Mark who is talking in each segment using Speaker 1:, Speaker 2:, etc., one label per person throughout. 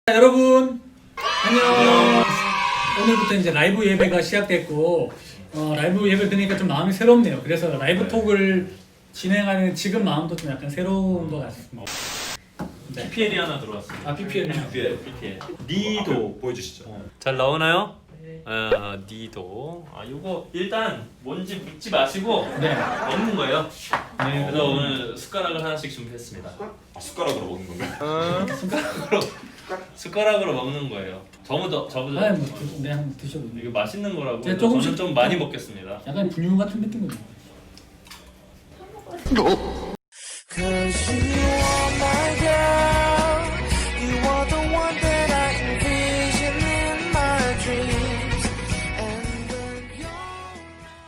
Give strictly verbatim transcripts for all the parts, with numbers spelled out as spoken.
Speaker 1: 자, 여러분 안녕. 오늘부터 이제 라이브 예배가 시작됐고 어, 라이브 예배 드니까 좀 마음이 새롭네요. 그래서 라이브
Speaker 2: 네.
Speaker 1: 톡을 진행하는 지금 마음도 좀 약간 새로운 것 같습니다. 네.
Speaker 2: 피피엘이 하나 들어왔습니다.
Speaker 1: 아 피피엘.
Speaker 2: 피피엘. 피피엘. 니도
Speaker 3: 보여주시죠.
Speaker 2: 어. 잘 나오나요? 아, 니도. 아, 이거 일단 뭔지 묻지 마시고
Speaker 1: 네.
Speaker 2: 먹는 거예요.
Speaker 1: 네.
Speaker 2: 그래서 오늘 숟가락을 하나씩 준비했습니다.
Speaker 3: 아, 숟가락으로 먹는 건가요?
Speaker 2: 숟가락으로 숟가락으로 먹는 거예요. 저부터 저부터.
Speaker 1: 아, 뭐 드, 네, 한번 드셔보세요.
Speaker 2: 이게 맛있는 거라고.
Speaker 1: 네, 조금씩-
Speaker 2: 저는 좀 많이 먹겠습니다.
Speaker 1: 약간 분유 같은 느낌으로.
Speaker 4: Cause you are my girl. You are the one that I envision in my dreams. And when you're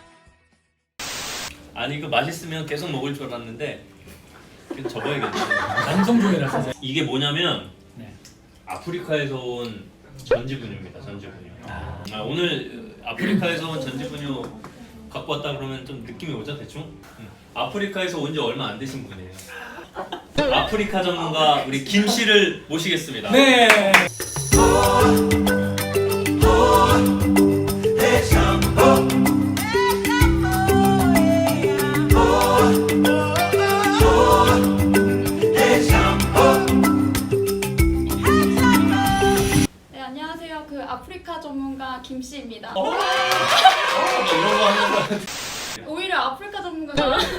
Speaker 2: 아니 그 맛있으면 계속 먹을 줄 알았는데 그냥 접어야겠네.
Speaker 1: 남성분이라서.
Speaker 2: 이게 뭐냐면
Speaker 1: 네.
Speaker 2: 아프리카에서 온 전지분유입니다. 전지분유. 아, 오늘 아프리카에서 온 전지분유 갖고 왔다 그러면 좀 느낌이 오죠 대충? 응. 아프리카에서 온 지 얼마 안 되신 분이에요. 아프리카 전문가 우리 김 씨를 모시겠습니다.
Speaker 1: 네.
Speaker 5: 네, 안녕하세요. 그 아프리카 전문가 김 씨입니다.
Speaker 2: 어? 어, 이런 거 하는 거.
Speaker 5: 오히려 아프리카 전문가가 여기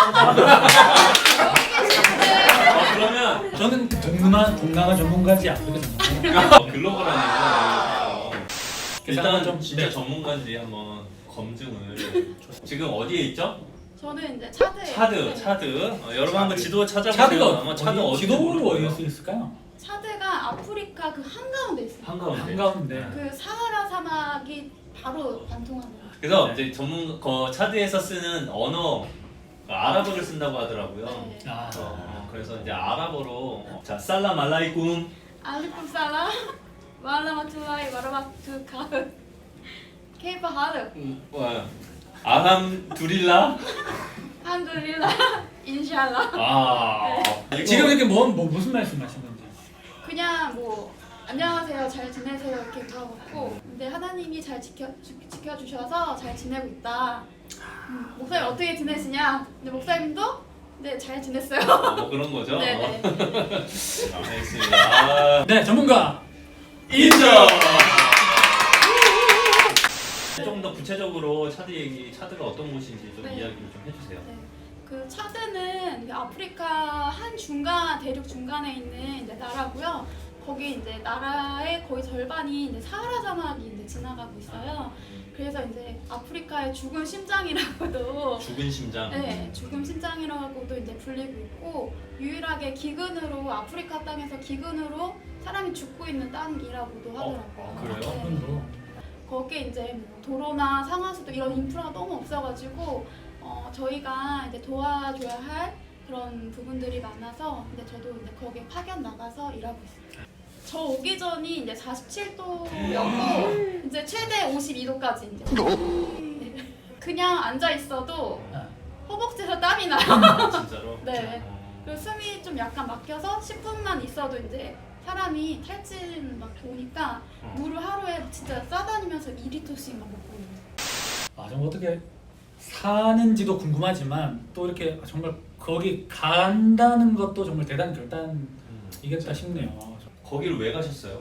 Speaker 5: 계시는데
Speaker 2: 아, 그러면
Speaker 1: 저는 동남아 동남아 전문가지 아프리카 전문가.
Speaker 2: 어, 글로벌한 얘기가 일단
Speaker 1: 좀-
Speaker 2: 진짜
Speaker 1: 네.
Speaker 2: 전문가인지 한번 검증을. 지금 어디에 있죠?
Speaker 5: 저는 이제 차드에
Speaker 2: 차드, 차드. 어, 여러분 한번 지도 찾아보세요.
Speaker 1: 차드가
Speaker 2: 아마 차드
Speaker 1: 어디,
Speaker 2: 어디
Speaker 1: 지도로 어디에 수 있을까요?
Speaker 5: 차드가 아프리카 그 한가운데 있어요.
Speaker 2: 한가운데.
Speaker 1: 한가운데.
Speaker 5: 그 사하라 사막이 바로 관통하는.
Speaker 2: 그래서
Speaker 1: 네.
Speaker 2: 이제 전문 거 차드에서 쓰는 언어 아랍어를 쓴다고 하더라고요.
Speaker 5: 네.
Speaker 1: 아.
Speaker 2: 어, 그래서 이제 아랍어로 자 살람 알라이쿰
Speaker 5: 알리쿰 살람 와라마투라이 와라마투카 케이파 하르
Speaker 2: 와 아함 두릴라
Speaker 5: 한두릴라 인샬라.
Speaker 2: 아 이거-
Speaker 1: 지금 이렇게 뭐, 뭐 무슨 말씀하신 건지.
Speaker 5: 그냥 뭐 안녕하세요, 잘 지내세요 이렇게 물어봤고, 근데 하나님이 잘 지켜 주, 지켜주셔서 잘 지내고 있다. 음, 목사님 어떻게 지내시냐? 근데 목사님도 네 잘 지냈어요.
Speaker 2: 어, 뭐 그런 거죠.
Speaker 5: 네네.
Speaker 2: 알겠습니다. 아,
Speaker 1: 네, 전문가.
Speaker 2: 인정. 좀 더 구체적으로 차드 얘기, 차드가 어떤 곳인지 좀
Speaker 5: 네.
Speaker 2: 이야기를 좀 해주세요.
Speaker 5: 네. 그 차드는 그 아프리카 한 중간 대륙 중간에 있는 이제 나라고요. 거기 이제 나라의 거의 절반이 이제 사하라 사막이 이제 지나가고 있어요. 그래서 이제 아프리카의 죽은 심장이라고도
Speaker 2: 죽은 심장.
Speaker 5: 네, 죽음 심장이라고도 이제 불리고 있고, 유일하게 기근으로 아프리카 땅에서 기근으로 사람이 죽고 있는 땅이라고도 하더라고요.
Speaker 2: 어, 그래요?
Speaker 5: 네.
Speaker 1: 그분도.
Speaker 5: 거기에 이제 뭐 도로나 상하수도 이런 인프라가 너무 없어가지고 어, 저희가 이제 도와줘야 할 그런 부분들이 많아서 근데 저도 이제 거기에 파견 나가서 일하고 있습니다. 저 오기 전이 이제 사십칠 도였고 이제 최대 오십이 도까지 이제 네. 그냥 앉아 있어도
Speaker 1: 아.
Speaker 5: 허벅지에서 땀이 나요.
Speaker 2: 아, 진짜로?
Speaker 5: 네.
Speaker 2: 어.
Speaker 5: 그리고 숨이 좀 약간 막혀서 십 분만 있어도 이제 사람이 탈진 막 오니까
Speaker 2: 어.
Speaker 5: 물을 하루에 진짜 싸다니면서 이 리터씩 막 먹고 있는.
Speaker 1: 아, 좀 어떻게 사는지도 궁금하지만 또 이렇게 정말 거기 간다는 것도 정말 대단한 결단이겠다
Speaker 2: 음.
Speaker 1: 싶네요.
Speaker 2: 거기를 왜 가셨어요?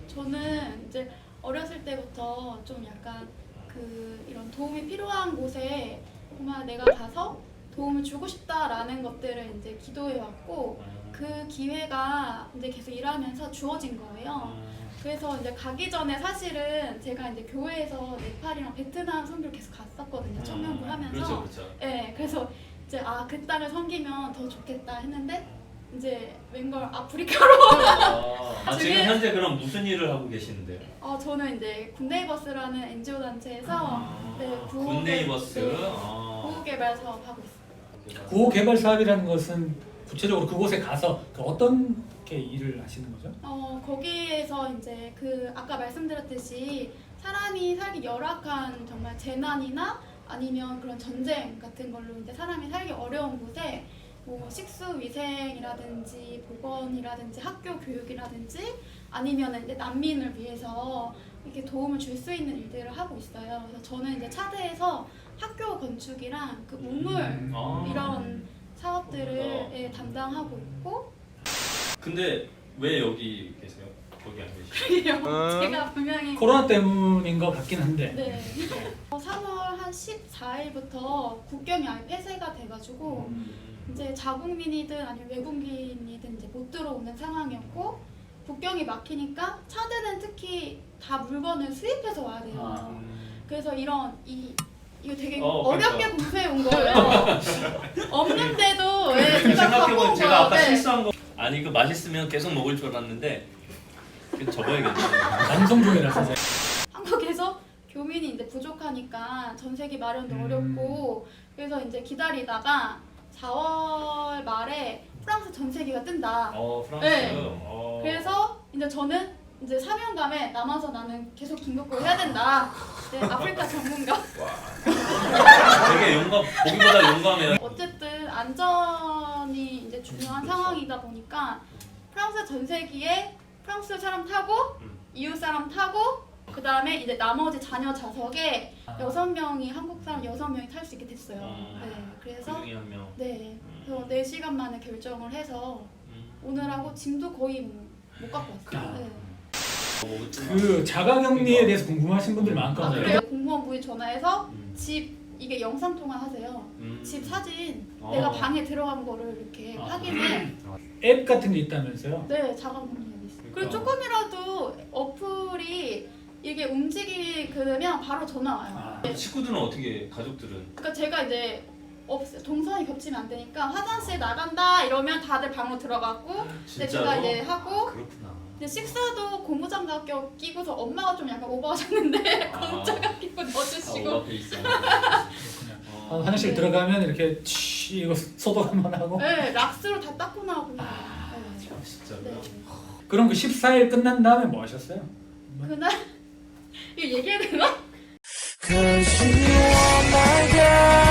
Speaker 5: 저는 이제 어렸을 때부터 좀 약간 그 이런 도움이 필요한 곳에 정말 내가 가서 도움을 주고 싶다라는 것들을 이제 기도해 왔고, 그 기회가 이제 계속 일하면서 주어진 거예요. 그래서 이제 가기 전에 사실은 제가 이제 교회에서 네팔이랑 베트남 선교를 계속 갔었거든요. 청년부 하면서.
Speaker 2: 그렇죠, 그렇죠.
Speaker 5: 네, 그래서 이제 아, 그 땅을 섬기면 더 좋겠다 했는데 이제 웬걸 아프리카로.
Speaker 2: 아, 아, 지금
Speaker 5: 지금-
Speaker 2: 현재 그럼 무슨 일을 하고 계시는데요?
Speaker 5: 어, 저는 이제 굿네이버스라는 엔지오 단체에서 네, 구호
Speaker 2: 아, 굿네이버스.
Speaker 5: 네,
Speaker 2: 아.
Speaker 5: 구호 개발 사업 하고 있어요.
Speaker 1: 구호 개발 사업이라는 것은 구체적으로 그곳에 가서 그 어떤 게 일을 하시는 거죠?
Speaker 5: 어, 거기에서 이제 그 아까 말씀드렸듯이 사람이 살기 열악한 정말 재난이나 아니면 그런 전쟁 같은 걸로 이제 사람이 살기 어려운 곳에 뭐 식수 위생이라든지 보건이라든지 학교 교육이라든지 아니면 이제 난민을 위해서 이렇게 도움을 줄 수 있는 일들을 하고 있어요. 그래서 저는 이제 차대에서 학교 건축이랑 그 우물
Speaker 1: 음.
Speaker 2: 아.
Speaker 5: 이런 사업들을 예, 담당하고 있고
Speaker 2: 근데 왜 여기 계세요? 거기 안 계시죠?
Speaker 5: 그래요. 제가 분명히
Speaker 1: 코로나 때문인 것 같긴 한데.
Speaker 5: 네. 어, 삼월 한 십사일부터 국경이 아예 폐쇄가 돼가지고 이제 자국민이든 아니면 외국인이든 이제 못 들어오는 상황이었고 국경이 막히니까 차대는 특히 다 물건을 수입해서 와야 돼요.
Speaker 1: 아.
Speaker 5: 그래서 이런 이 이거 되게
Speaker 2: 어,
Speaker 5: 어, 렵게
Speaker 2: 그러니까.
Speaker 5: 공부해 온 거예요. 없는데도 예, 제가 갖고
Speaker 2: 생각해보면
Speaker 5: 온
Speaker 2: 제가
Speaker 5: 거예요.
Speaker 2: 아까
Speaker 5: 네.
Speaker 2: 실수한 거 아니 이거 맛있으면 계속 먹을 줄 알았는데 그냥 접어야겠네.
Speaker 1: 방송 중이라서. 제가.
Speaker 5: 한국에서 교민이 이제 부족하니까 전세기 마련도
Speaker 1: 음.
Speaker 5: 어렵고 그래서 이제 기다리다가 사월 말에 프랑스 전세기가 뜬다.
Speaker 2: 어 프랑스.
Speaker 5: 네.
Speaker 2: 어.
Speaker 5: 그래서 이제 저는 이제 사명감에 남아서 나는 계속 긴급고 해야 된다. 네, 아프리카 전문가.
Speaker 2: 되게 용감 보기보다 용감해요.
Speaker 5: 어쨌든 안전이 이제 중요한
Speaker 2: 그렇죠.
Speaker 5: 상황이다 보니까 프랑스 전세기에 프랑스 사람 타고
Speaker 2: 음.
Speaker 5: 이웃 사람 타고 그 다음에 이제 나머지 자녀 좌석에
Speaker 1: 아.
Speaker 5: 여섯 명이 한국 사람 여섯 명이 탈 수 있게 됐어요.
Speaker 2: 음.
Speaker 5: 네, 그래서
Speaker 2: 그중에 한 명.
Speaker 5: 네, 그래서 네 시간 만에 결정을 해서
Speaker 2: 음.
Speaker 5: 오늘하고 짐도 거의 뭐 못 갖고 왔어요.
Speaker 1: 아.
Speaker 5: 네.
Speaker 2: 어,
Speaker 1: 그 자가격리에 대해서 궁금하신 분들이
Speaker 5: 아,
Speaker 1: 많거든요.
Speaker 5: 그래요? 공무원부에 전화해서
Speaker 2: 음.
Speaker 5: 집 이게 영상 통화 하세요.
Speaker 2: 음.
Speaker 5: 집 사진
Speaker 2: 어.
Speaker 5: 내가 방에 들어간 거를 이렇게
Speaker 2: 아.
Speaker 5: 확인해.
Speaker 1: 앱 같은 게 있다면서요?
Speaker 5: 네, 자가격리 있어요. 그리고
Speaker 2: 그러니까.
Speaker 5: 조금이라도 어플이 이게 움직이면 바로 전화 와요.
Speaker 1: 아.
Speaker 5: 네.
Speaker 2: 식구들은 어떻게 가족들은?
Speaker 5: 그러니까 제가 이제 없 동선이 겹치면 안 되니까 화장실 나간다 이러면 다들 방으로 들어가고 근데
Speaker 2: 진짜로?
Speaker 5: 제가 이제 하고
Speaker 2: 그렇구나.
Speaker 5: 근데 식사도 고무장갑 껴- 끼고서 엄마가 좀 약간 오버하셨는데
Speaker 2: 아.
Speaker 5: 고무장갑 끼고
Speaker 2: 아,
Speaker 5: 넣어주시고
Speaker 2: 오버페 있어.
Speaker 1: 그렇군요.
Speaker 2: 어.
Speaker 1: 화장실
Speaker 5: 네.
Speaker 1: 들어가면 이렇게 치 이거 소독 한번 하고.
Speaker 5: 네, 락스로 다 닦고 나오고
Speaker 1: 아,
Speaker 5: 네.
Speaker 2: 진짜로요?
Speaker 5: 네.
Speaker 1: 그럼 그 십사 일 끝난 다음에 뭐 하셨어요?
Speaker 5: 그날 이거 얘기해야 되나?
Speaker 4: Cause you are my girl.